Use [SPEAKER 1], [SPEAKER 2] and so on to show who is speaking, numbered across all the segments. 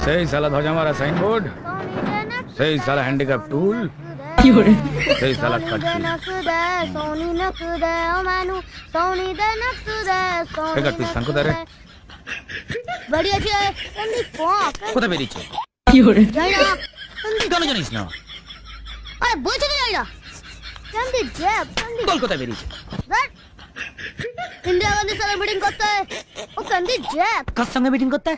[SPEAKER 1] सही साला ध्वजा मारा साइन बोर्ड, सही साला हैंडीकैप टूल, सही साला कच्ची ঠিক তুই সান কোথায় রে?
[SPEAKER 2] বাড়ি আছে কান্দি পক
[SPEAKER 1] কোথায় বেরিয়েছে?
[SPEAKER 2] যাই না
[SPEAKER 1] কেন জানিস না?
[SPEAKER 2] আরে বলছি তো যাই না কান্দি জ্যাব কান্দি
[SPEAKER 1] বল কোথায় বেরিয়েছে?
[SPEAKER 2] इंदिरा गांधी साला मीटिंग करता है वो कंदी जैक
[SPEAKER 1] কার সঙ্গে মিটিং করতে?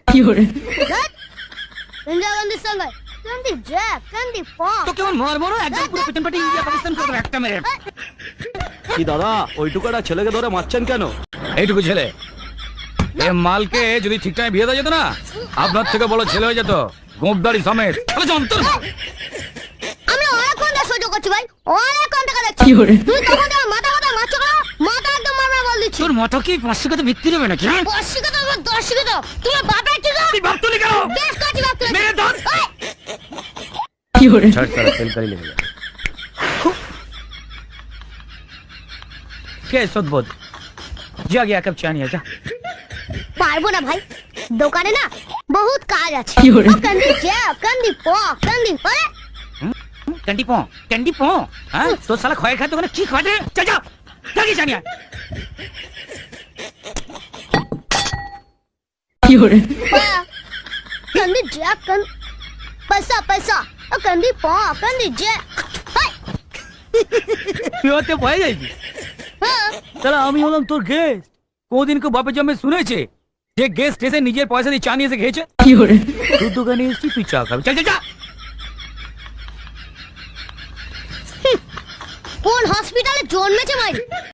[SPEAKER 2] इंदिरा गांधी संग कंदी जैक कंदी पॉक
[SPEAKER 1] তো কেমন মার মারো একদম পুরো পিটন পাটি ইন্ডিয়া পাকিস্তান করে একটা মেরে।
[SPEAKER 3] কি দাদা ওইটুকুটা ছেলেকে ধরে মারছেন কেন?
[SPEAKER 1] এইটুকু ছেলে এ মালকে যদি ঠিক টাইমে বিয়ে দেওয়া যেত না আপনার থেকে বড় ছেলে হয়ে যেত গোপদাড়ি সমেত। তাহলে যন্ত্র
[SPEAKER 2] আমরা অনেক ঘন্টা সহ্য করছি ভাই অনেক ঘন্টা করে দেখছি তুই তখন আমার মাথা মাথা মারছো না মাথা একদম মারমার বল দিচ্ছি
[SPEAKER 1] তোর মাথা কি 500 টাকা বিক্রি হবে নাকি? হ্যাঁ?
[SPEAKER 2] 500 টাকা আমার 10 টাকা তোমার বাপের কি গো
[SPEAKER 1] তুই ভাবতলি কেন?
[SPEAKER 2] বেশ কাটি বাপ তুই
[SPEAKER 1] মেরে ধর। छट साला सेल कर ही लेगा। क्या सदबोध? जा गया कब चानिया जा।
[SPEAKER 2] পারবো না ভাই দোকানে না বহুত কাজ আছে ও কান্দি জ্যাব কান্দি পক কান্দি আরে
[SPEAKER 1] कैंडी पो हाँ तो साला खोए खाते हो ना की खाते चल जा जागी चानिया
[SPEAKER 2] कंदी জ্যাব কান पैसा पैसा ও কান্দি পক কান্দি জ্যাব হাই
[SPEAKER 1] তুই ভয় যাইবি
[SPEAKER 2] হ্যাঁ
[SPEAKER 1] তাহলে আমি হলাম তোর গেস্ট কোনদিন কো বাপে জন্মে শুনেছে যে গেস্ট এসে নিজের পয়সা দিয়ে চা নিয়ে এসে খেয়েছে তুই দোকানে এসেছি তুই চা খাবি চল চল যা
[SPEAKER 2] কোন হসপিটালে জন্মেছে ভাই